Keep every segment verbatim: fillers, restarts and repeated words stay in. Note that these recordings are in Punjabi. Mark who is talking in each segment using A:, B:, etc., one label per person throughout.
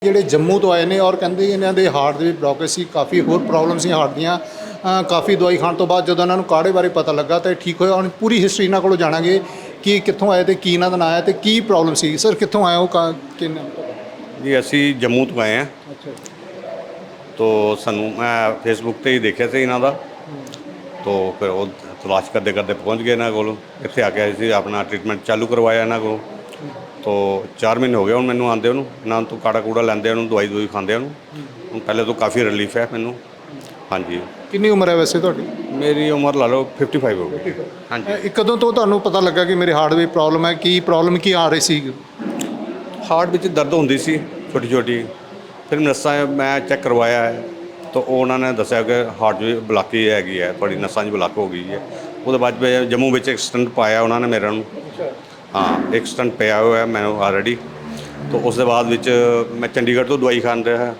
A: ਜਿਹੜੇ ਜੰਮੂ ਤੋਂ ਆਏ ਨੇ ਔਰ ਕਹਿੰਦੇ ਇਹਨਾਂ ਦੇ ਹਾਰਟ ਦੇ ਬਲੌਕੇਜ ਸੀ, ਕਾਫੀ ਹੋਰ ਪ੍ਰੋਬਲਮ ਸੀ ਹਾਰਟ ਦੀਆਂ। ਅ, ਕਾਫੀ ਦਵਾਈ ਖਾਣ ਤੋਂ ਬਾਅਦ ਜਦੋਂ ਇਹਨਾਂ ਨੂੰ ਕਾੜੇ ਬਾਰੇ ਪਤਾ ਲੱਗਾ ਤਾਂ ਇਹ ਠੀਕ ਹੋਇਆ। ਹੁਣ ਪੂਰੀ ਹਿਸਟਰੀ ਇਹਨਾਂ ਕੋਲੋਂ ਜਾਣਾਂਗੇ ਕਿ ਕਿੱਥੋਂ ਆਏ ਤੇ ਕੀ ਇਹਨਾਂ ਦਾ ਨਾਂ ਹੈ ਤੇ ਕੀ ਪ੍ਰੋਬਲਮ ਸੀ। ਸਰ ਕਿੱਥੋਂ ਆਏ ਹੋ? ਕਾ ਕਿੰਨਾ
B: जी ਅਸੀਂ ਜੰਮੂ ਤੋਂ ਆਏ ਹਾਂ।
A: ਅੱਛਾ
B: तो ਸਾਨੂੰ ਮੈਂ ਫੇਸਬੁੱਕ ਤੇ ਹੀ ਦੇਖਿਆ ਸੀ ਇਹਨਾਂ ਦਾ। तो फिर वो तलाश करते करते पहुँच गए ਇਹਨਾਂ ਕੋਲ। ਇੱਥੇ ਆ ਕੇ ਅਸੀਂ ਆਪਣਾ ਟ੍ਰੀਟਮੈਂਟ ਚਾਲੂ ਕਰਵਾਇਆ ਇਹਨਾਂ ਕੋਲ। तो चार महीने हो गए ਹੁਣ ਮੈਨੂੰ ਆਉਂਦੇ ਉਹਨੂੰ, ਇਹਨਾਂ ਤੋਂ ਕਾੜਾ ਕੂੜਾ ਲੈਂਦੇ ਉਹਨੂੰ, ਦਵਾਈ ਦਵਾਈ ਖਾਂਦੇ ਉਹਨੂੰ। ਹੁਣ ਪਹਿਲੇ ਤੋਂ ਕਾਫੀ ਰਿਲੀਫ ਹੈ ਮੈਨੂੰ। ਹਾਂਜੀ
A: ਕਿੰਨੀ ਉਮਰ ਹੈ ਵੈਸੇ ਤੁਹਾਡੀ?
B: ਮੇਰੀ ਉਮਰ ਲਾ ਲਓ ਫਿਫਟੀ ਫਾਈਵ ਹੋ ਗਈ। ਹਾਂਜੀ
A: ਇਹ ਕਦੋਂ ਤੋਂ ਤੁਹਾਨੂੰ ਪਤਾ ਲੱਗਾ ਕਿ ਮੇਰੇ ਹਾਰਟ ਦੀ ਪ੍ਰੋਬਲਮ ਹੈ? ਕੀ ਪ੍ਰੋਬਲਮ ਕੀ ਆ ਰਹੀ ਸੀ?
B: ਹਾਰਟ ਵਿੱਚ ਦਰਦ ਹੁੰਦੀ ਸੀ ਛੋਟੀ ਛੋਟੀ। ਫਿਰ ਨਸਾਂ ਮੈਂ ਚੈੱਕ ਕਰਵਾਇਆ ਹੈ ਤਾਂ ਉਹਨਾਂ ਨੇ ਦੱਸਿਆ ਕਿ ਹਾਰਟ ਵਿੱਚ ਬਲਾਕੀ ਹੈਗੀ ਹੈ, ਤੁਹਾਡੀ ਨਸਾਂ 'ਚ ਬਲਾਕ ਹੋ ਗਈ ਹੈ। ਉਹਦੇ ਬਾਅਦ ਮੈਂ ਜੰਮੂ ਵਿੱਚ ਇੱਕ ਸਟੰਟ ਪਾਇਆ ਉਹਨਾਂ ਨੇ ਮੇਰੇ ਨੂੰ। ਹਾਂ ਇੱਕ ਸਟੰਟ ਪਿਆ ਹੋਇਆ ਮੈਨੂੰ ਆਲਰੇਡੀ। ਤਾਂ ਉਸ ਦੇ ਬਾਅਦ ਵਿੱਚ ਮੈਂ ਚੰਡੀਗੜ੍ਹ ਤੋਂ ਦਵਾਈ ਖਾਣ ਰਿਹਾ।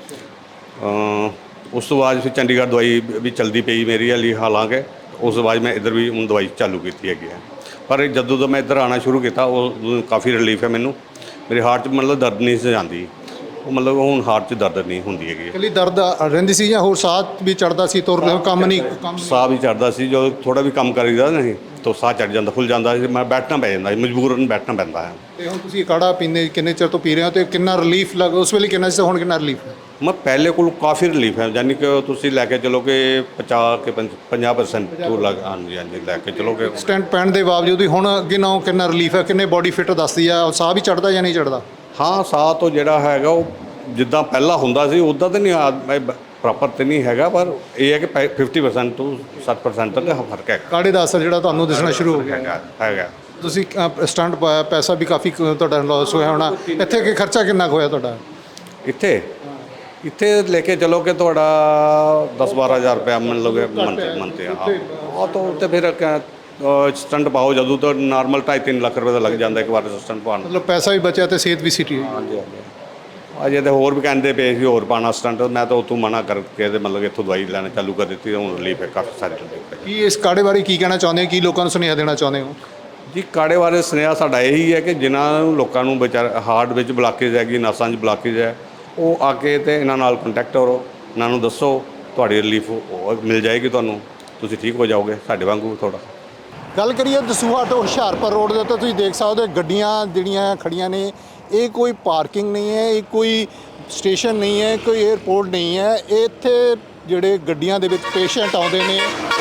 B: ਉਸ ਤੋਂ ਬਾਅਦ ਫਿਰ ਚੰਡੀਗੜ੍ਹ ਦਵਾਈ ਵੀ ਚਲਦੀ ਪਈ ਮੇਰੀ ਹਾਲੀ, ਹਾਲਾਂਕਿ ਉਸ ਤੋਂ ਬਾਅਦ ਮੈਂ ਇੱਧਰ ਵੀ ਹੁਣ ਦਵਾਈ ਚਾਲੂ ਕੀਤੀ ਹੈਗੀ ਹੈ। ਪਰ ਜਦੋਂ ਤੋਂ ਮੈਂ ਇੱਧਰ ਆਉਣਾ ਸ਼ੁਰੂ ਕੀਤਾ ਉਹ ਕਾਫੀ ਰਿਲੀਫ ਹੈ ਮੈਨੂੰ। ਮੇਰੇ ਹਾਰਟ 'ਚ ਮਤਲਬ ਦਰਦ ਨਹੀਂ ਸੀ ਜਾਂਦੀ, ਉਹ ਮਤਲਬ ਹੁਣ ਹਾਰਟ 'ਚ ਦਰਦ ਨਹੀਂ ਹੁੰਦੀ ਹੈਗੀ।
A: ਇਕੱਲੀ ਦਰਦ ਰਹਿੰਦੀ ਸੀ ਜਾਂ ਹੋਰ ਸਾਹ ਵੀ ਚੜਦਾ ਸੀ? ਤੁਰ ਕੰਮ ਨਹੀਂ ਕੰਮ
B: ਸਾਹ ਵੀ ਚੜਦਾ ਸੀ, ਜਦੋਂ ਥੋੜਾ ਵੀ ਕੰਮ ਕਰੀਦਾ ਨਹੀਂ ਤਾਂ ਸਾਹ ਚੜ ਜਾਂਦਾ, ਫੁੱਲ ਜਾਂਦਾ ਸੀ। ਮੈਂ ਬੈਠਣਾ ਪੈ ਜਾਂਦਾ ਸੀ, ਮਜਬੂਰਨ ਬੈਠਣਾ ਪੈਂਦਾ ਹੈ।
A: ਤੇ ਹੁਣ ਤੁਸੀਂ ਕਾੜਾ ਪੀਂਦੇ ਕਿੰਨੇ ਚਿਰ ਤੋਂ ਪੀ ਰਹੇ ਹੋ ਤੇ ਕਿੰਨਾ ਰਿਲੀਫ ਲੱਗ ਉਸ ਵੇਲੇ ਕਿੰਨਾ ਸੀ, ਹੁਣ ਕਿੰਨਾ ਰਿਲੀਫ ਹੈ?
B: ਮੈਂ ਪਹਿਲੇ ਕੋਲ ਕਾਫੀ ਰਿਲੀਫ ਹੈ, ਯਾਨੀ ਕਿ ਤੁਸੀਂ ਲੈ ਕੇ ਚਲੋ ਕਿ ਪਚਾਸ ਕੇ ਪੰਜਾਹ ਪਰਸੈਂਟ ਤੋਂ ਲੱਗ ਹਾਂਜੀ ਹਾਂਜੀ ਲੈ ਕੇ ਚਲੋ ਕਿ
A: ਸਟੈਂਟ ਪੈਣ ਦੇ ਬਾਵਜੂਦ ਵੀ ਹੁਣ ਅੱਗੇ ਨਾਲੋਂ ਕਿੰਨਾ ਰਿਲੀਫ ਹੈ? ਕਿੰਨੇ ਬੋਡੀ ਫਿੱਟ ਦੱਸਦੀ ਆ? ਸਾਹ ਵੀ ਚੜਦਾ ਜਾਂ ਨਹੀਂ ਚੜਦਾ?
B: ਹਾਂ ਸਾਹ ਤੋਂ ਜਿਹੜਾ ਹੈਗਾ ਉਹ ਜਿੱਦਾਂ ਪਹਿਲਾਂ ਹੁੰਦਾ ਸੀ ਉੱਦਾਂ ਤਾਂ ਨਹੀਂ ਪ੍ਰੋਪਰ ਤਾਂ ਨਹੀਂ ਹੈਗਾ, ਪਰ ਇਹ ਹੈ ਕਿ ਫਿਫਟੀ ਪਰਸੈਂਟ ਤੋਂ ਸੱਠ ਪਰਸੈਂਟ ਤੱਕ ਫਰਕ ਹੈ।
A: ਕਾੜੇ ਦਾ ਅਸਰ ਜਿਹੜਾ ਤੁਹਾਨੂੰ ਦਿਸਣਾ ਸ਼ੁਰੂ ਹੋ ਗਿਆ
B: ਹੈਗਾ ਹੈਗਾ
A: ਤੁਸੀਂ ਸਟੰਟ ਪਾਇਆ, ਪੈਸਾ ਵੀ ਕਾਫੀ ਤੁਹਾਡਾ ਲਾਸ ਹੋਇਆ ਹੋਣਾ। ਇੱਥੇ ਕਿ ਖਰਚਾ ਕਿੰਨਾ ਕੁ ਹੋਇਆ ਤੁਹਾਡਾ?
B: ਇੱਥੇ ਇੱਥੇ ਲੈ ਕੇ ਚਲੋ ਕਿ ਤੁਹਾਡਾ ਦਸ ਬਾਰਾਂ ਹਜ਼ਾਰ ਰੁਪਇਆ ਮੰਨ ਲਓਗੇ ਮੰਥ ਮੰਥ ਹਾਂ। ਉਹ ਤਾਂ ਉੱਤੇ ਫਿਰ ਸਟੰਟ ਪਾਓ ਜਦੋਂ ਤਾਂ ਨਾਰਮਲ ਢਾਈ ਤਿੰਨ ਲੱਖ ਰੁਪਏ ਦਾ ਲੱਗ ਜਾਂਦਾ ਇੱਕ ਵਾਰ ਸਟੰਟ ਪਾਉਣ।
A: ਮਤਲਬ ਪੈਸਾ ਵੀ ਬਚਿਆ ਤੇ ਸਿਹਤ ਵੀ ਸਿੱਟੀ।
B: ਹਾਂਜੀ ਹਾਂਜੀ ਅਜੇ ਤਾਂ ਹੋਰ ਵੀ ਕਹਿੰਦੇ ਪਏ ਸੀ ਹੋਰ ਪਾਉਣਾ ਸਟੰਟ, ਮੈਂ ਤਾਂ ਉੱਥੋਂ ਮਨਾ ਕਰਕੇ ਤੇ ਮਤਲਬ ਇੱਥੋਂ ਦਵਾਈ ਲੈਣਾ ਚਾਲੂ ਕਰ ਦਿੱਤੀ। ਹੁਣ ਰਿਲੀਫ ਹੈ ਕਾਫੀ ਸਾਰੇ ਰਿਲੀਫ ਹੈ।
A: ਕੀ ਇਸ ਕਾੜੇ ਬਾਰੇ ਕੀ ਕਹਿਣਾ ਚਾਹੁੰਦੇ ਹੋ? ਕੀ ਲੋਕਾਂ ਨੂੰ ਸੁਨੇਹਾ ਦੇਣਾ ਚਾਹੁੰਦੇ ਹੋ?
B: ਜੀ ਕਾੜੇ ਬਾਰੇ ਸੁਨੇਹਾ ਸਾਡਾ ਇਹੀ ਹੈ ਕਿ ਜਿਨ੍ਹਾਂ ਨੂੰ ਲੋਕਾਂ ਨੂੰ ਵਿਚਾਰ ਹਾਰਟ ਵਿੱਚ ਬਲਾਕੇਜ ਹੈਗੀ, ਨਸਾਂ 'ਚ ਬਲਾਕੇਜ ਹੈ, ਉਹ ਆ ਕੇ ਤੇ ਇਹਨਾਂ ਨਾਲ ਕੰਟੈਕਟ ਕਰੋ, ਇਹਨਾਂ ਨੂੰ ਦੱਸੋ, ਤੁਹਾਡੀ ਰਿਲੀਫ ਮਿਲ ਜਾਏਗੀ ਤੁਹਾਨੂੰ, ਤੁਸੀਂ ਠੀਕ ਹੋ ਜਾਓਗੇ ਸਾਡੇ ਵਾਂਗੂ ਥੋੜ੍ਹਾ।
A: ਗੱਲ ਕਰੀਏ ਦਸੂਹਾ ਤੋਂ ਹੁਸ਼ਿਆਰਪੁਰ ਰੋਡ ਦੇ ਉੱਤੇ ਤੁਸੀਂ ਦੇਖ ਸਕਦੇ ਹੋ ਗੱਡੀਆਂ ਜਿਹੜੀਆਂ ਖੜੀਆਂ ਨੇ। ਇਹ ਕੋਈ ਪਾਰਕਿੰਗ ਨਹੀਂ ਹੈ, ਇਹ ਕੋਈ ਸਟੇਸ਼ਨ ਨਹੀਂ ਹੈ, ਕੋਈ ਏਅਰਪੋਰਟ ਨਹੀਂ ਹੈ। ਇੱਥੇ ਜਿਹੜੇ ਗੱਡੀਆਂ ਦੇ ਵਿੱਚ ਪੇਸ਼ੈਂਟ ਆਉਂਦੇ ਨੇ,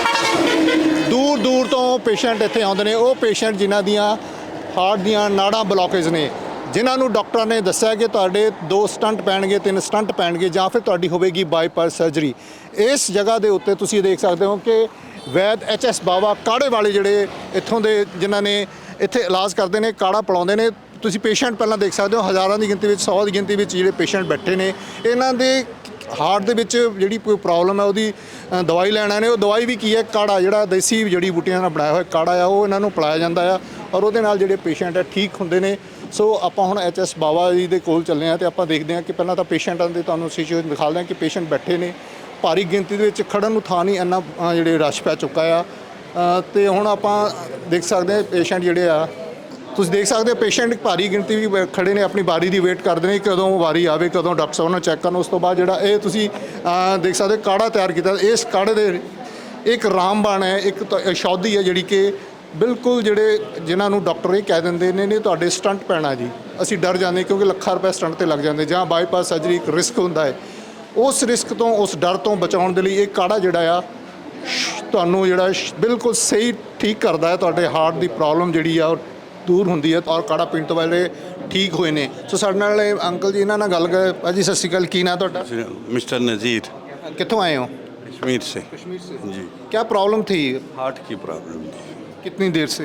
A: ਦੂਰ ਦੂਰ ਤੋਂ ਪੇਸ਼ੈਂਟ ਇੱਥੇ ਆਉਂਦੇ ਨੇ। ਉਹ ਪੇਸ਼ੈਂਟ ਜਿਨ੍ਹਾਂ ਦੀਆਂ ਹਾਰਟ ਦੀਆਂ ਨਾੜਾਂ ਬਲੌਕੇਜ ਨੇ, ਜਿਨ੍ਹਾਂ ਨੂੰ ਡਾਕਟਰਾਂ ਨੇ ਦੱਸਿਆ ਕਿ ਤੁਹਾਡੇ ਦੋ ਸਟੰਟ ਪੈਣਗੇ, ਤਿੰਨ ਸਟੰਟ ਪੈਣਗੇ ਜਾਂ ਫਿਰ ਤੁਹਾਡੀ ਹੋਵੇਗੀ ਬਾਈਪਾਸ ਸਰਜਰੀ। ਇਸ ਜਗ੍ਹਾ ਦੇ ਉੱਤੇ ਤੁਸੀਂ ਦੇਖ ਸਕਦੇ ਹੋ ਕਿ ਵੈਦ ਐਚ ਐਸ ਬਾਵਾ ਕਾੜੇ ਵਾਲੇ ਜਿਹੜੇ ਇੱਥੋਂ ਦੇ ਜਿਨ੍ਹਾਂ ਨੇ ਇੱਥੇ ਇਲਾਜ ਕਰਦੇ ਨੇ, ਕਾੜਾ ਪਿਲਾਉਂਦੇ ਨੇ। ਤੁਸੀਂ ਪੇਸ਼ੈਂਟ ਪਹਿਲਾਂ ਦੇਖ ਸਕਦੇ ਹੋ, ਹਜ਼ਾਰਾਂ ਦੀ ਗਿਣਤੀ ਵਿੱਚ, ਸੌ ਦੀ ਗਿਣਤੀ ਵਿੱਚ ਜਿਹੜੇ ਪੇਸ਼ੈਂਟ ਬੈਠੇ ਨੇ। ਇਹਨਾਂ ਦੇ ਹਾਰਟ ਦੇ ਵਿੱਚ ਜਿਹੜੀ ਕੋਈ ਪ੍ਰੋਬਲਮ ਹੈ ਉਹਦੀ ਦਵਾਈ ਲੈਣਾ ਨੇ। ਉਹ ਦਵਾਈ ਵੀ ਕੀ ਹੈ? ਕਾੜਾ, ਜਿਹੜਾ ਦੇਸੀ ਜੜੀ ਬੂਟੀਆਂ ਨਾਲ ਬਣਾਇਆ ਹੋਇਆ ਕਾੜਾ ਆ, ਉਹ ਇਹਨਾਂ ਨੂੰ ਪਿਲਾਇਆ ਜਾਂਦਾ ਆ ਔਰ ਉਹਦੇ ਨਾਲ ਜਿਹੜੇ ਪੇਸ਼ੈਂਟ ਹੈ ਠੀਕ ਹੁੰਦੇ ਨੇ। ਸੋ ਆਪਾਂ ਹੁਣ ਐਚ ਐਸ ਬਾਵਾ ਜੀ ਦੇ ਕੋਲ ਚੱਲੇ ਹਾਂ ਅਤੇ ਆਪਾਂ ਦੇਖਦੇ ਹਾਂ ਕਿ ਪਹਿਲਾਂ ਤਾਂ ਪੇਸ਼ੈਂਟਾਂ ਦੇ ਤੁਹਾਨੂੰ ਸਿਚੁਏਸ਼ਨ ਦਿਖਾਉਂਦੇ ਹਾਂ ਕਿ ਪੇਸ਼ੈਂਟ ਬੈਠੇ ਨੇ। ਭਾਰੀ ਗਿਣਤੀ ਦੇ ਵਿੱਚ ਖੜ੍ਹਨ ਨੂੰ ਥਾਂ ਨਹੀਂ, ਇੰਨਾ ਜਿਹੜੇ ਰਸ਼ ਪੈ ਚੁੱਕਾ ਆ। ਅਤੇ ਹੁਣ ਆਪਾਂ ਦੇਖ ਸਕਦੇ ਹਾਂ ਪੇਸ਼ੈਂਟ ਜਿਹੜੇ ਆ, ਤੁਸੀਂ ਦੇਖ ਸਕਦੇ ਹੋ ਪੇਸ਼ੈਂਟ ਭਾਰੀ ਗਿਣਤੀ ਵੀ ਖੜ੍ਹੇ ਨੇ, ਆਪਣੀ ਵਾਰੀ ਦੀ ਵੇਟ ਕਰਦੇ ਨੇ ਕਦੋਂ ਵਾਰੀ ਆਵੇ, ਕਦੋਂ ਡਾਕਟਰ ਸਾਹਿਬ ਨੂੰ ਚੈੱਕ ਕਰਨ। ਉਸ ਤੋਂ ਬਾਅਦ ਜਿਹੜਾ ਇਹ ਤੁਸੀਂ ਦੇਖ ਸਕਦੇ ਕਾੜਾ ਤਿਆਰ ਕੀਤਾ। ਇਸ ਕਾੜੇ ਦੇ ਇੱਕ ਰਾਮਬਾਣ ਹੈ, ਇੱਕ ਔਸ਼ਧੀ ਹੈ ਜਿਹੜੀ ਕਿ ਬਿਲਕੁਲ ਜਿਹੜੇ ਜਿਨ੍ਹਾਂ ਨੂੰ ਡਾਕਟਰ ਇਹ ਕਹਿ ਦਿੰਦੇ ਨੇ ਨੇ ਤੁਹਾਡੇ ਸਟੰਟ ਪੈਣਾ ਜੀ, ਅਸੀਂ ਡਰ ਜਾਂਦੇ ਕਿਉਂਕਿ ਲੱਖਾਂ ਰੁਪਏ ਸਟੰਟ 'ਤੇ ਲੱਗ ਜਾਂਦੇ ਜਾਂ ਬਾਈਪਾਸ ਸਰਜਰੀ ਇੱਕ ਰਿਸਕ ਹੁੰਦਾ ਹੈ। ਉਸ ਰਿਸਕ ਤੋਂ, ਉਸ ਡਰ ਤੋਂ ਬਚਾਉਣ ਦੇ ਲਈ ਇਹ ਕਾੜਾ ਜਿਹੜਾ ਆ ਤੁਹਾਨੂੰ ਜਿਹੜਾ ਬਿਲਕੁਲ ਸਹੀ ਠੀਕ ਕਰਦਾ ਹੈ। ਤੁਹਾਡੇ ਹਾਰਟ ਦੀ ਪ੍ਰੋਬਲਮ ਜਿਹੜੀ ਆ ਉਹ ਦੂਰ ਹੁੰਦੀ ਹੈ ਔਰ ਕਾੜਾ ਪੀਣ ਤੋਂ ਬਾਅਦ ਠੀਕ ਹੋਏ ਨੇ। ਸੋ ਸਾਡੇ ਨਾਲ ਅੰਕਲ ਜੀ ਇਹਨਾਂ ਨਾਲ ਗੱਲ ਕਰ। ਭਾਜੀ ਸਤਿ ਸ਼੍ਰੀ ਅਕਾਲ, ਕੀ ਨਾਂ ਤੁਹਾਡਾ?
C: मिस्टर नज़ीर,
A: कितों आए हो?
C: कश्मीर से।
A: कश्मीर से
C: जी,
A: क्या प्रॉब्लम थी?
C: हार्ट की प्रॉब्लम थी
A: कितनी देर से?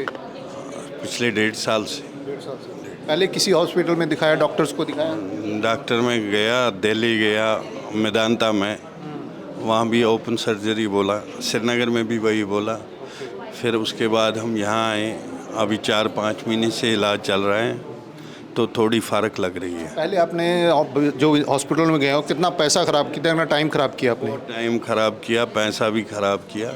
C: पिछले डेढ़ साल से।
A: डेढ़ साल से पहले किसी हॉस्पिटल में दिखाया, डॉक्टर्स को दिखाया?
C: डॉक्टर में गया, दिल्ली गया, मेदांता में, वहाँ भी ओपन सर्जरी बोला, श्रीनगर में भी वही बोला। फिर उसके बाद हम यहाँ आए, अभी चार पाँच महीने से इलाज चल रहा है तो थोड़ी फ़र्क लग रही है।
A: पहले आपने जो हॉस्पिटल में गए हो कितना पैसा ख़राब किया, कितना टाइम ख़राब किया आपने?
C: टाइम ख़राब किया, पैसा भी ख़राब किया।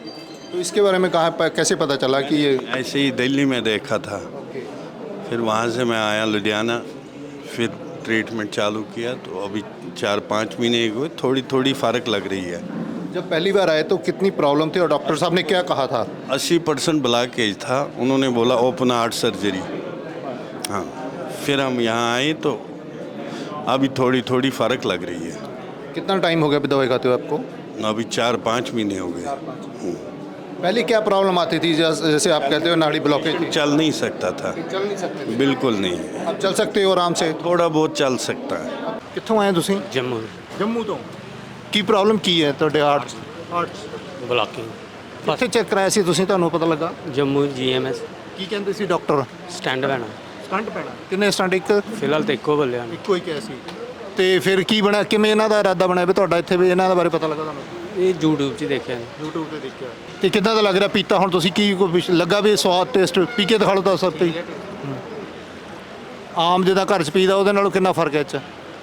A: तो इसके बारे में कहाँ कैसे पता चला कि ये?
C: ऐसे ही दिल्ली में देखा था, फिर वहाँ से मैं आया लुधियाना, फिर ट्रीटमेंट चालू किया तो अभी चार पाँच महीने हुए, थोड़ी थोड़ी फ़र्क लग रही है।
A: जब पहली बार आए तो कितनी प्रॉब्लम थी और डॉक्टर साहब ने क्या कहा था?
C: अस्सी परसेंट ब्लॉकेज था, उन्होंने बोला ओपन हार्ट सर्जरी। हाँ, फिर हम यहाँ आए तो अभी थोड़ी थोड़ी फ़र्क लग रही है।
A: कितना टाइम हो गया अभी दवाई खाते हुए आपको?
C: अभी चार पाँच महीने हो गए।
A: पहले क्या प्रॉब्लम आती थी, जैस- जैसे आप कहते हो नाड़ी ब्लॉकेज थी?
C: चल नहीं सकता था,
A: चल नहीं सकते,
C: बिल्कुल नहीं।
A: अब चल सकते हो आराम से?
C: थोड़ा बहुत चल सकता है।
A: ਕਿੱਥੋਂ ਆਏ ਤੁਸੀਂ?
D: ਜੰਮੂ
A: ਜੰਮੂ ਤੋਂ। ਕੀ ਪ੍ਰੋਬਲਮ ਕੀ ਹੈ ਤੁਹਾਡੇ ਹਾਰਟ 'ਚ? ਹਾਰਟ 'ਚ
D: ਬਲਾਕਿੰਗ
A: ਕਿੱਥੇ ਚੈੱਕ ਕਰਾਇਆ ਸੀ ਤੁਸੀਂ, ਤੁਹਾਨੂੰ ਪਤਾ ਲੱਗਾ?
D: ਜੰਮੂ ਜੀਐਮਐਸ
A: ਕੀ ਕਹਿੰਦੇ ਸੀ ਡਾਕਟਰ?
D: ਸਟੈਂਡ ਪੈਣਾ
A: ਸਟੰਟ ਪੈਣਾ। ਕਿੰਨੇ ਸਟੰਟ? ਇੱਕ
D: ਫਿਲਹਾਲ ਤਾਂ ਇੱਕੋ ਬੱਲਿਆ ਨੇ
A: ਇੱਕੋ ਹੀ ਕਿਹਾ ਸੀ। ਤੇ ਫਿਰ ਕੀ ਬਣਾ, ਕਿਵੇਂ ਇਹਨਾਂ ਦਾ ਇਰਾਦਾ ਬਣਿਆ ਵੀ ਤੁਹਾਡਾ ਇੱਥੇ ਵੀ ਇਹਨਾਂ ਦੇ ਬਾਰੇ ਪਤਾ ਲੱਗਾ ਤੁਹਾਨੂੰ?
D: ਇਹ YouTube 'ਚ ਹੀ ਦੇਖਿਆ ਨੇ।
A: YouTube ਤੇ ਦੇਖਿਆ। ਤੇ ਕਿੱਦਾਂ ਦਾ ਲੱਗ ਰਿਹਾ ਪੀਤਾ ਹੁਣ ਤੁਸੀਂ? ਕੀ ਕੋਈ ਵਿਸ਼- ਲੱਗਾ ਵੀ ਸਵਾਦ ਟੇਸਟ? ਪੀ ਕੇ ਦਿਖਾ ਲਓ ਤਾਂ ਸਭ ਤੇ ਆਮ ਜਿਹਦਾ ਘਰ 'ਚ ਪੀਦਾ ਉਹਦੇ ਨਾਲੋਂ ਕਿੰਨਾ ਫਰਕ ਹੈ ਇਹ 'ਚ?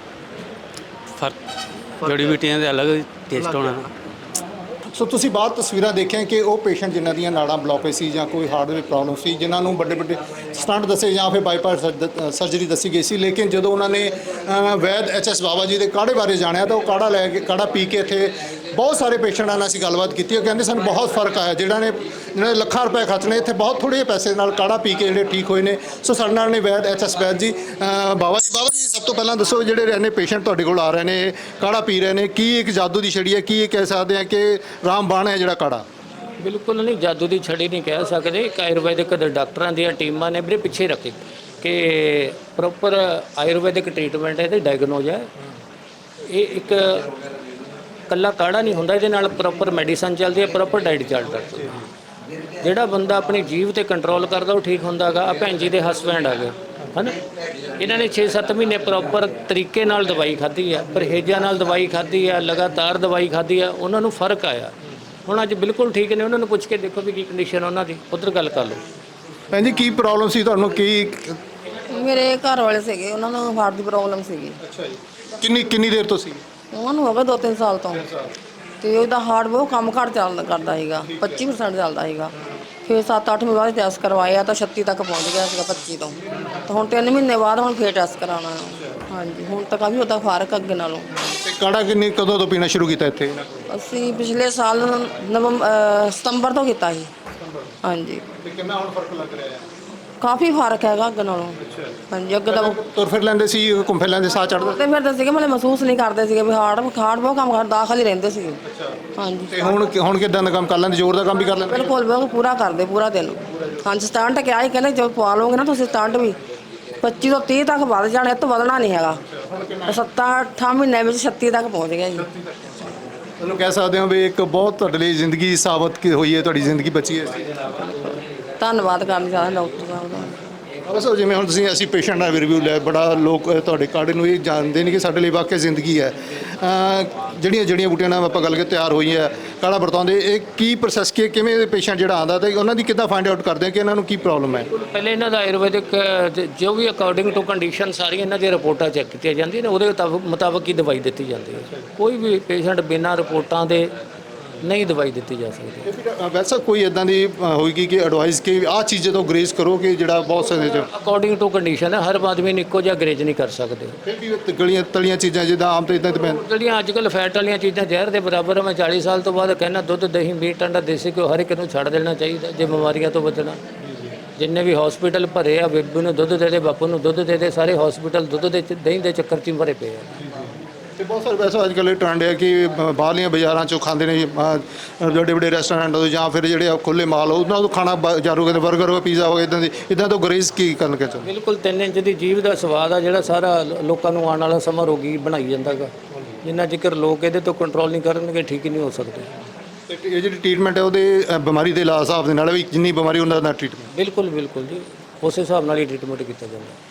D: ਫਰਕ ਜੜੀ ਬੂਟੀਆਂ ਦੇ ਅਲੱਗ ਟੇਸਟ ਹੋਣਾ ਨਾ।
A: ਸੋ ਤੁਸੀਂ ਬਾਹਰ ਤਸਵੀਰਾਂ ਦੇਖੀਆਂ ਕਿ ਉਹ ਪੇਸ਼ੈਂਟ ਜਿਨ੍ਹਾਂ ਦੀਆਂ ਨਾੜਾਂ ਬਲੌਕੇਜ ਸੀ ਜਾਂ ਕੋਈ ਹਾਰਟ ਦੀ ਪ੍ਰੋਬਲਮ ਸੀ, ਜਿਨ੍ਹਾਂ ਨੂੰ ਵੱਡੇ ਵੱਡੇ ਸਟੰਟ ਦੱਸੇ ਜਾਂ ਫਿਰ ਬਾਈਪਾਸ ਸਰਜਰੀ ਦੱਸੀ ਗਈ ਸੀ, ਲੇਕਿਨ ਜਦੋਂ ਉਹਨਾਂ ਨੇ ਅ, ਵੈਦ ਐਚ ਐਸ ਬਾਬਾ ਜੀ ਦੇ ਕਾੜੇ ਬਾਰੇ ਜਾਣਿਆ ਤਾਂ ਉਹ ਕਾੜਾ ਲੈ ਕੇ ਕਾੜਾ ਪੀ ਕੇ ਇੱਥੇ ਬਹੁਤ ਸਾਰੇ ਪੇਸ਼ੈਂਟਾਂ ਨਾਲ ਅਸੀਂ ਗੱਲਬਾਤ ਕੀਤੀ। ਉਹ ਕਹਿੰਦੇ ਸਾਨੂੰ ਬਹੁਤ ਫਰਕ ਆਇਆ, ਜਿਹੜਾ ਨੇ ਜਿਹਨਾਂ ਨੇ ਲੱਖਾਂ ਰੁਪਏ ਖਰਚਣੇ ਇੱਥੇ ਬਹੁਤ ਥੋੜ੍ਹੇ ਜਿਹੇ ਪੈਸੇ ਨਾਲ ਕਾੜਾ ਪੀ ਕੇ ਜਿਹੜੇ ਠੀਕ ਹੋਏ ਨੇ। ਸੋ ਸਾਡੇ ਨਾਲ ਨੇ ਵੈਦ ਐਚ ਐਸ ਵੈਦ ਜੀ। ਅ, ਬਾਬਾ ਜੀ ਬਾਬਾ ਜੀ ਸਭ ਤੋਂ ਪਹਿਲਾਂ ਦੱਸੋ, ਜਿਹੜੇ ਰਹਿੰਦੇ ਪੇਸ਼ੈਂਟ ਤੁਹਾਡੇ ਕੋਲ ਆ ਰਹੇ ਨੇ, ਕਾੜਾ ਪੀ ਰਹੇ ਨੇ, ਕੀ ਇੱਕ ਜਾਦੂ ਦੀ ਛੜੀ ਹੈ? ਕੀ ਇਹ ਕਹਿ ਸਕਦੇ ਆ ਕਿ ਰਾਮਬਾਣ ਹੈ ਜਿਹੜਾ ਕਾੜਾ?
D: ਬਿਲਕੁਲ ਨਹੀਂ, ਜਾਦੂ ਦੀ ਛੜੀ ਨਹੀਂ ਕਹਿ ਸਕਦੇ। ਇੱਕ ਆਯੁਰਵੈਦਿਕ ਡਾਕਟਰਾਂ ਦੀਆਂ ਟੀਮਾਂ ਨੇ ਵੀਰੇ ਪਿੱਛੇ ਰੱਖੀ ਕਿ ਪ੍ਰੋਪਰ ਆਯੁਰਵੈਦਿਕ ਟ੍ਰੀਟਮੈਂਟ ਹੈ ਤੇ ਡਾਇਗਨੋਜ਼ ਹੈ। ਇਹ ਇੱਕ ਕੱਲਾ ਕਾੜਾ ਨਹੀਂ ਹੁੰਦਾ, ਇਹਦੇ ਨਾਲ ਪ੍ਰੋਪਰ ਮੈਡੀਸਨ ਚੱਲਦੀ ਹੈ, ਪ੍ਰੋਪਰ ਡਾਈਟ ਚੱਲਦਾ। ਜਿਹੜਾ ਬੰਦਾ ਆਪਣੀ ਜੀਭ ਤੇ ਕੰਟਰੋਲ ਕਰਦਾ ਉਹ ਠੀਕ ਹੁੰਦਾ ਹੈਗਾ। ਆ ਭੈਣ ਜੀ ਦੇ ਹਸਬੈਂਡ ਆ ਗਏ ਹੈ ਨਾ, ਇਹਨਾਂ ਨੇ ਛੇ ਸੱਤ ਮਹੀਨੇ ਪ੍ਰੋਪਰ ਤਰੀਕੇ ਨਾਲ ਦਵਾਈ ਖਾਧੀ ਹੈ, ਪਰਹੇਜ਼ਾਂ ਨਾਲ ਦਵਾਈ ਖਾਧੀ ਹੈ, ਲਗਾਤਾਰ ਦਵਾਈ ਖਾਧੀ ਹੈ, ਉਹਨਾਂ ਨੂੰ ਫਰਕ ਆਇਆ। ਹੁਣ ਅੱਜ ਬਿਲਕੁਲ ਠੀਕ ਨੇ। ਉਹਨਾਂ ਨੂੰ ਪੁੱਛ ਕੇ ਦੇਖੋ ਵੀ ਕੀ ਕੰਡੀਸ਼ਨ ਉਹਨਾਂ ਦੀ, ਉੱਧਰ ਗੱਲ ਕਰ ਲਓ।
A: ਭੈਣ ਜੀ ਕੀ ਪ੍ਰੋਬਲਮ ਸੀ ਤੁਹਾਨੂੰ? ਕੀ
E: ਮੇਰੇ ਘਰ ਵਾਲੇ ਸੀਗੇ, ਉਹਨਾਂ ਨੂੰ ਹਾਰਟ ਦੀ ਪ੍ਰੋਬਲਮ ਸੀਗੀ।
A: ਅੱਛਾ ਜੀ। ਕਿੰਨੀ ਕਿੰਨੀ ਦੇਰ ਤੋਂ ਸੀ?
E: ਉਹਨਾਂ ਨੂੰ ਹੋ ਗਿਆ ਦੋ ਤਿੰਨ ਸਾਲ ਤੋਂ, ਤੇ ਉਹਦਾ ਹਾਰਟ ਬਹੁਤ ਕੰਮ ਘੱਟ ਚੱਲ ਕਰਦਾ ਸੀਗਾ, ਪੱਚੀ ਪਰਸੈਂਟ ਚੱਲਦਾ ਸੀਗਾ। ਫਿਰ ਸੱਤ ਅੱਠ ਮਹੀਨੇ ਬਾਅਦ ਟੈਸਟ ਕਰਵਾਇਆ ਤਾਂ ਛੱਤੀ ਤੱਕ ਪਹੁੰਚ ਗਿਆ ਸੀਗਾ, ਪੱਚੀ ਤੋਂ। ਤਾਂ ਹੁਣ ਤਿੰਨ ਮਹੀਨੇ ਬਾਅਦ ਹੁਣ ਫਿਰ ਟੈਸਟ ਕਰਾਉਣਾ। ਹਾਂਜੀ, ਹੁਣ ਤਾਂ ਕਾਫੀ ਉਹਦਾ ਫਰਕ ਅੱਗੇ ਨਾਲੋਂ।
A: ਤੇ ਕਾੜਾ ਕਿੰਨੀ ਕਦੋਂ ਤੋਂ ਪੀਣਾ ਸ਼ੁਰੂ ਕੀਤਾ ਇੱਥੇ?
E: ਅਸੀਂ ਪਿਛਲੇ ਸਾਲ ਨਵੰਬਰ ਸਤੰਬਰ ਤੋਂ ਕੀਤਾ ਸੀ। ਹਾਂਜੀ,
A: ਤੇ ਕਿੰਨਾ ਹੁਣ ਫਰਕ ਲੱਗ ਰਿਹਾ ਹੈ?
E: ਕਾਫੀ ਫਰਕ ਹੈਗਾ ਅੱਗੇ ਨਾਲੋਂ। ਹਾਂਜੀ, ਅੱਗੇ ਤਾਂ
A: ਤੁਰ ਫਿਰ ਲੈਂਦੇ ਸੀ, ਘੁੰਮ ਫਿਰ ਲੈਂਦੇ, ਸਾਹ ਚੜਦਾ?
E: ਤੇ ਫਿਰਦੇ ਸੀਗੇ, ਮਤਲਬ ਮਹਿਸੂਸ ਨਹੀਂ ਕਰਦੇ ਸੀਗੇ ਵੀ ਹਾਰਟ ਹਾਰਟ ਬਹੁਤ ਕੰਮ ਕਰ ਦਾਖਲ ਹੀ ਰਹਿੰਦੇ ਸੀਗੇ। ਹਾਂਜੀ,
A: ਤੇ ਹੁਣ ਹੁਣ ਕਿਦਾਂ ਦਾ ਕੰਮ ਕਰ ਲੈਂਦੇ? ਜ਼ੋਰ ਦਾ ਕੰਮ ਵੀ ਕਰ ਲੈਂਦੇ?
E: ਬਿਲਕੁਲ ਬਿਲਕੁਲ ਪੂਰਾ ਕਰਦੇ ਪੂਰਾ ਦਿਨ। ਹਾਂਜੀ, ਸਟੰਟ ਕਿਹਾ ਹੀ ਕਹਿੰਦੇ ਜੋ ਪਵਾ ਲਓਗੇ ਨਾ ਤੁਸੀਂ ਸਟੰਟ ਵੀ ਪੱਚੀ ਤੋਂ ਤੀਹ ਤੱਕ ਵੱਧ ਜਾਣਾ, ਇਹ ਤੋਂ ਵਧਣਾ ਨਹੀਂ ਹੈਗਾ। ਸੱਤਾਂ ਅੱਠਾਂ ਮਹੀਨਿਆਂ ਵਿੱਚ ਛੱਤੀ ਤੱਕ ਪਹੁੰਚ ਗਿਆ ਜੀ।
A: ਤੁਹਾਨੂੰ ਕਹਿ ਸਕਦੇ ਹਾਂ ਵੀ ਇੱਕ ਬਹੁਤ ਤੁਹਾਡੇ ਲਈ ਜ਼ਿੰਦਗੀ ਸਾਬਤ ਕੀ ਹੋਈ ਹੈ, ਤੁਹਾਡੀ ਜ਼ਿੰਦਗੀ ਬਚੀ ਹੈ।
E: ਧੰਨਵਾਦ ਕਰਨਾ ਚਾਹੁੰਦਾ ਡਾਕਟਰ ਸਾਹਿਬ ਦਾ।
A: ਬਸ ਜਿਵੇਂ ਹੁਣ ਤੁਸੀਂ ਅਸੀਂ ਪੇਸ਼ੈਂਟ ਦਾ ਰਿਵਿਊ ਲਿਆ, ਬੜਾ ਲੋਕ ਤੁਹਾਡੇ ਕਾੜੇ ਨੂੰ ਇਹ ਜਾਣਦੇ ਨਹੀਂ ਕਿ ਸਾਡੇ ਲਈ ਵਾਕਿਆ ਜ਼ਿੰਦਗੀ ਹੈ। ਅਹ ਜਿਹੜੀਆਂ ਜੜੀਆਂ ਬੂਟੀਆਂ ਨਾਲ ਆਪਾਂ ਗੱਲ ਕੇ ਤਿਆਰ ਹੋਈ ਹੈ, ਕਾੜਾ ਵਰਤਾਉਂਦੇ, ਇਹ ਕੀ ਪ੍ਰੋਸੈਸ ਕੀ, ਕਿਵੇਂ ਪੇਸ਼ੈਂਟ ਜਿਹੜਾ ਆਉਂਦਾ ਤੇ ਉਹਨਾਂ ਦੀ ਕਿੱਦਾਂ ਫਾਈਂਡ ਆਊਟ ਕਰਦੇ ਕਿ ਇਹਨਾਂ ਨੂੰ ਕੀ ਪ੍ਰੋਬਲਮ ਹੈ?
D: ਪਹਿਲੇ ਇਹਨਾਂ ਦਾ ਆਯੁਰਵੈਦਿਕ ਜ- ਜੋ ਵੀ ਅਕੋਰਡਿੰਗ ਟੂ ਕੰਡੀਸ਼ਨ ਸਾਰੀਆਂ ਇਹਨਾਂ ਦੀਆਂ ਰਿਪੋਰਟਾਂ ਚੈੱਕ ਕੀਤੀਆਂ ਜਾਂਦੀਆਂ ਨੇ, ਉਹਦੇ ਮੁਤਾਬਕ ਮੁਤਾਬਕ ਹੀ ਦਵਾਈ ਦਿੱਤੀ ਜਾਂਦੀ ਹੈ। ਕੋਈ ਵੀ ਪੇਸ਼ੈਂਟ ਬਿਨਾਂ ਰਿਪੋਰਟਾਂ ਦੇ ਨਹੀਂ ਦਵਾਈ ਦਿੱਤੀ ਜਾ ਸਕਦੀ।
A: ਤੇ ਫਿਰ ਵੈਸਾ ਕੋਈ ਇਦਾਂ ਦੀ ਅ, ਹੋਏਗੀ ਕਿ ਐਡਵਾਈਸ ਕਿ ਆਹ ਚੀਜ਼ਾਂ ਤੋਂ ਗਰੇਜ਼ ਕਰੋ ਕਿ ਜਿਹੜਾ ਬਹੁਤ ਸਾਰੇ ਚ
D: ਅਕੋਰਡਿੰਗ ਟੂ ਕੰਡੀਸ਼ਨ ਹੈ, ਹਰ ਆਦਮੀ ਨੂੰ ਇੱਕੋ ਜਿਹਾ ਗਰੇਜ ਨਹੀਂ ਕਰ ਸਕਦੇ।
A: ਫਿਰ ਵੀ ਉਹ ਗਲੀਆਂ ਤਲੀਆਂ ਚੀਜ਼ਾਂ ਜਿੱਦਾਂ ਆਮ ਤੋਂ ਇਦਾਂ ਤੇ ਪੈਣ?
D: ਜਿਹੜੀਆਂ ਅੱਜ ਕੱਲ੍ਹ ਫੈਟ ਵਾਲੀਆਂ ਚੀਜ਼ਾਂ ਜ਼ਹਿਰ ਦੇ ਬਰਾਬਰ ਆ। ਮੈਂ ਚਾਲੀ ਸਾਲ ਤੋਂ ਬਾਅਦ ਕਹਿੰਦਾ ਦੁੱਧ, ਦਹੀਂ, ਮੀਟ, ਅੰਡਾ, ਦੇਸੀ ਘਿਓ ਹਰ ਇੱਕ ਨੂੰ ਛੱਡ ਦੇਣਾ ਚਾਹੀਦਾ ਜੇ ਬਿਮਾਰੀਆਂ ਤੋਂ ਬਚਣਾ। ਜਿੰਨੇ ਵੀ ਹਸਪੀਟਲ ਭਰੇ ਆ, ਬੇਬੂ ਨੂੰ ਦੁੱਧ ਦੇ ਦੇ, ਬਾਪੂ ਨੂੰ ਦੁੱਧ ਦੇ ਦੇ, ਸਾਰੇ ਹਸਪੀਟਲ ਦੁੱਧ ਦੇ ਚ- ਦਹੀਂ ਦੇ ਚੱਕਰ 'ਚ ਹੀ ਭਰੇ ਪਏ ਆ।
A: ਤੇ ਬਹੁਤ ਸਾਰੇ ਵੈਸੇ ਅੱਜ ਕੱਲ੍ਹ ਇਹ ਟ੍ਰੈਂਡ ਹੈ ਕਿ ਬ- ਬਾਹਰਲੀਆਂ ਬਾਜ਼ਾਰਾਂ 'ਚੋਂ ਖਾਂਦੇ ਨੇ, ਅ, ਵੱਡੇ ਵੱਡੇ ਰੈਸਟੋਰੈਂਟ ਤੋਂ ਜਾਂ ਫਿਰ ਜਿਹੜੇ ਖੁੱਲੇ ਮਾਲ ਉਹਨਾਂ ਤੋਂ ਖਾਣਾ ਬਾਜ਼ਾਰੋਂ ਕਹਿੰਦੇ 버ਗਰ ਹੋ, ਪੀਜ਼ਾ ਹੋ, ਇਦਾਂ ਦੀ ਇਦਾਂ ਤੋਂ ਗਰੇਜ਼ ਕੀ ਕਰਨ ਕੇ ਚਾਹੁੰਦੇ?
D: ਬਿਲਕੁਲ ਤਿੰਨ ਇੰਚ ਦੀ ਜੀਭ ਦਾ ਸਵਾਦ ਆ ਜਿਹੜਾ ਸਾਰਾ ਲ- ਲੋਕਾਂ ਨੂੰ ਆਉਣ ਵਾਲਾ ਸਮਾਂ ਰੋਗੀ ਬਣਾਈ ਜਾਂਦਾ ਗਾ। ਜਿੰਨਾ ਜ਼ਿਕਰ ਲੋਕ ਇਹਦੇ ਤੋਂ ਕੰਟਰੋਲ ਨਹੀਂ ਕਰਨਗੇ, ਠੀਕ ਹੀ ਨਹੀਂ ਹੋ ਸਕਦੇ।
A: ਤੇ ਇਹ ਜਿਹੜੀ ਟ੍ਰੀਟਮੈਂਟ ਹੈ ਉਹਦੇ ਅ, ਬਿਮਾਰੀ ਦੇ ਇਲਾਜ ਹਿਸਾਬ ਦੇ ਨਾਲ ਵੀ ਜਿੰਨੀ ਬਿਮਾਰੀ ਉਹਨਾਂ ਦਾ ਟ੍ਰੀਟਮੈਂਟ?
D: ਬਿਲਕੁਲ ਬਿਲਕੁਲ ਜੀ, ਉਸ ਹਿਸਾਬ ਨਾਲ ਹੀ ਟ੍ਰੀਟਮੈਂਟ ਕੀਤਾ ਜਾਂਦਾ।